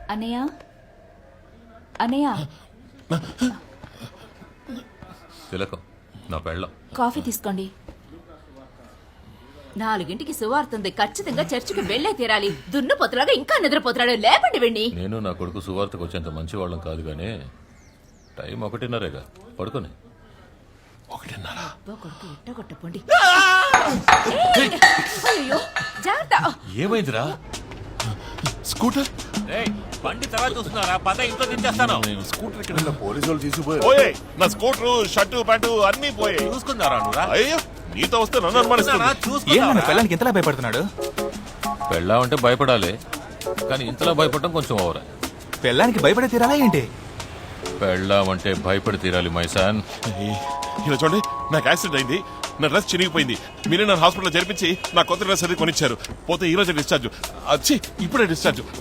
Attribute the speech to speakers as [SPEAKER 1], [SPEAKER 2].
[SPEAKER 1] అన్నయ్య అన్నయ్య
[SPEAKER 2] తిలకం నా పెళ్ళం.
[SPEAKER 1] కాఫీ తీసుకోండి. 4ంటికి సువార్తుంది. ఖచ్చితంగా చర్చికి వెళ్ళే తీరాలి. దున్నపోతులాగా ఇంకా నిద్రపోతున్నాడు. లేపండి వెండి.
[SPEAKER 2] నేను నా కొడుకు సువార్తకు వచ్చేంత మంచి వాళ్ళం కాదు కానీ టైం 1:30గా పడుకొని
[SPEAKER 1] 1:30 కొడుకు ఎట్టగొట్టపోండి. అయ్యో జాగ్రత్త.
[SPEAKER 2] ఏమైందిరా?
[SPEAKER 3] స్కూటర్
[SPEAKER 2] బండి తర్వాత చూస్తున్నారా? పద ఇంట్లో దించేస్తాను.
[SPEAKER 3] స్కూటర్ ఇక్కడ
[SPEAKER 4] పోలీసు వాళ్ళు తీసుకుపోయారు.
[SPEAKER 3] పోయాయి. నా స్కూటర్ షర్టు ప్యాంటు అన్ని పోయాయి.
[SPEAKER 2] చూసుకున్నారా నువ్వురా?
[SPEAKER 3] అయ్యో నీతో వస్తే నన్ను అనుమానిస్తున్నా.
[SPEAKER 5] ఏమన్నా పిల్లలకి ఇంతలా భయపడుతున్నాడు?
[SPEAKER 2] పెళ్ళామంటే భయపడాలి కానీ ఇంతలా భయపడటం కొంచెం ఓవరా.
[SPEAKER 5] పిల్లానికి భయపడే తీరాలా ఏంటి?
[SPEAKER 2] పెళ్ళామంటే భయపడి తీరాలి మైసాన్.
[SPEAKER 3] ఇలా చూడండి, నాకు యాక్సిడెంట్ అయింది. నా డ్రెస్ చిరిగిపోయింది. మీరే నన్ను హాస్పిటల్లో చేర్పించి నా కొత్త డ్రెస్ అది కొనిచ్చారు. పోతే ఈ రోజు డిశ్చార్జ్. ఇప్పుడే డిశ్చార్జ్.